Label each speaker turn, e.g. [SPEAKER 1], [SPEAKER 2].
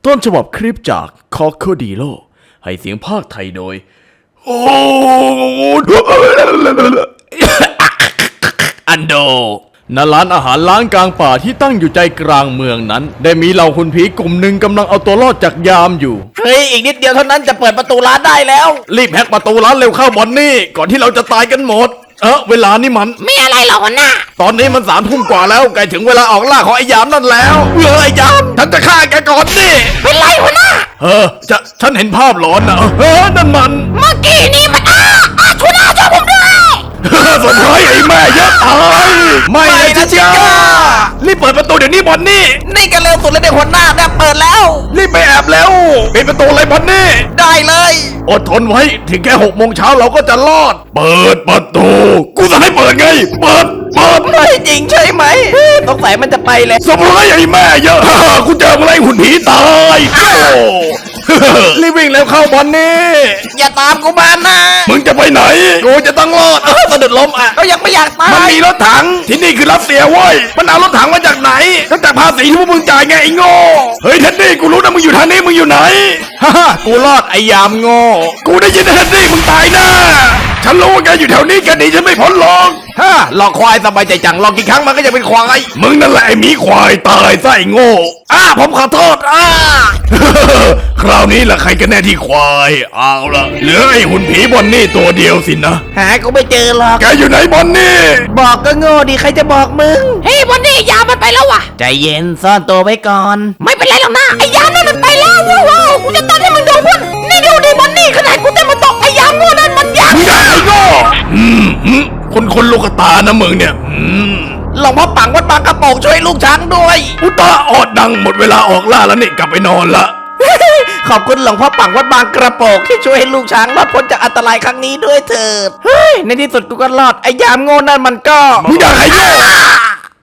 [SPEAKER 1] ต้นฉบับคลิปจากคอคโคดีโลให้เสียงภาคไทยโดยโอ้อันโดณร้านอาหารล้างกลางป่าที่ตั้งอยู่ใจกลางเมืองนั้นได้มีเหล่าหุ่นผีกลุ่มหนึ่งกำลังเอาตัวรอดจากยามอยู่
[SPEAKER 2] เฮ้ยอีกนิดเดียวเท่านั้นจะเปิดประตูร้านได้แล้ว
[SPEAKER 1] รีบแฮกประตูร้านเร็วเข้าบอนนี่ก่อนที่เราจะตายกันหมดเวลานี่มัน
[SPEAKER 3] ไม่อะไรหรอกหัวหน้า
[SPEAKER 1] ตอนนี้มัน3 ทุ่มกว่าแล้วใกล้ถึงเวลาออกล่าของไอ้ยามนั่นแล้วไอ้ยามฉันจะฆ่าแกก่อนดิ
[SPEAKER 3] เป็นไรหัวหน้า
[SPEAKER 1] ฉันเห็นภาพหลอนนะนั่นมัน
[SPEAKER 3] เมื่อกี้นี่มันหัวหน้าช่วยผมด้วย
[SPEAKER 1] สมร้ายไอ้แม่เยอะตายไม่นะชิก้ารีบเปิดประตูเดี๋ยวนี้บอนนี่
[SPEAKER 2] นี่กันเร็วสุดเลยเด็กหัวหน้าเนี่ยเปิดแล้ว
[SPEAKER 1] รีบไปแอบแล้วปิดประตูเลยบอนนี่
[SPEAKER 2] ได้เลย
[SPEAKER 1] อดทนไว้ถึงแค่6 โมงเช้าเราก็จะรอดเปิดประตูกูจะให้เปิดไงเปิด
[SPEAKER 2] ไม่จริงใช่ไหมสงสัยมันจะไปเลย
[SPEAKER 1] สมร้ายไอ้แม่เยอะกูเจออะไรหุ่นผีตายรีบวิ่งแล้วเข้าบอนนี่
[SPEAKER 2] อย่าตามกูมานะ
[SPEAKER 1] มึงจะไปไหนกูจะต้องรอด
[SPEAKER 2] สะดุดล้มก็ยังไม่อยากตาย
[SPEAKER 1] มันมีรถถังที่นี่คือรัสเซียเว้ยมันเอารถถังมาจากไหนก็จากภาษีที่พวกมึงจ่ายไงไอ้โง่เฮ้ยเท็ดดี้กูรู้นะมึงอยู่ทางนี้มึงอยู่ไหนกูรอดไอ้ยามโง่กูได้ยินเท็ดดี้มึงตายแน่ฉันรู้ว่าแกอยู่แถวนี้แกหนีฉันไม่พ้นหรอก
[SPEAKER 2] หลอกควายสบายใจจังหลอกกี่ครั้งมันก็จะเป็นควาย
[SPEAKER 1] มึงนั่นแหละไอ้หมีควายตายซะไอ้โง่ผมขอโทษคราวนี้ล่ะใครกันแน่ที่ควายเอาละเหลือไอ้หุ่นผีบอนนี่ตัวเดียวสินะ
[SPEAKER 2] หากูไม่เจอหรอก
[SPEAKER 1] แกอยู่ไหนบอนนี่
[SPEAKER 2] บอกก็โง่ดิใครจะบอกมึง
[SPEAKER 3] เฮ้ยบอนนี่ยามมันไปแล้วว่ะ
[SPEAKER 2] ใจเย็นซ่อนตัวไว้ก่อน
[SPEAKER 3] ไม่เป็นไรหรอกนะไอ้ยามนั่นมันไปแล้วว้าวกูจะตัดให้มึงดูพุ่นนี่ดูดิบอนนี่ขนาดกูเต้นมาตกไอ้ยามโง่นั่นมันยักษ์
[SPEAKER 1] ไอ้โง่คนลูกตานะมึงเนี่ย
[SPEAKER 2] หลวงพ่อปังวัดบางกระโปงช่วยลูกช้างด้วย
[SPEAKER 1] อุตาออดดังหมดเวลาออกล่าแล้วนี่กลับไปนอนละ
[SPEAKER 2] ขอบคุณหลวงพ่อปังวัดบางกระโปงที่ช่วยให้ลูกช้างรอดพ้นจากอันตรายครั้งนี้ด้วยเถิดเฮ้ยในที่สุดกูก็รอดไอ้ยามโง่นั่นมันก็
[SPEAKER 1] มึงอยากให้โง่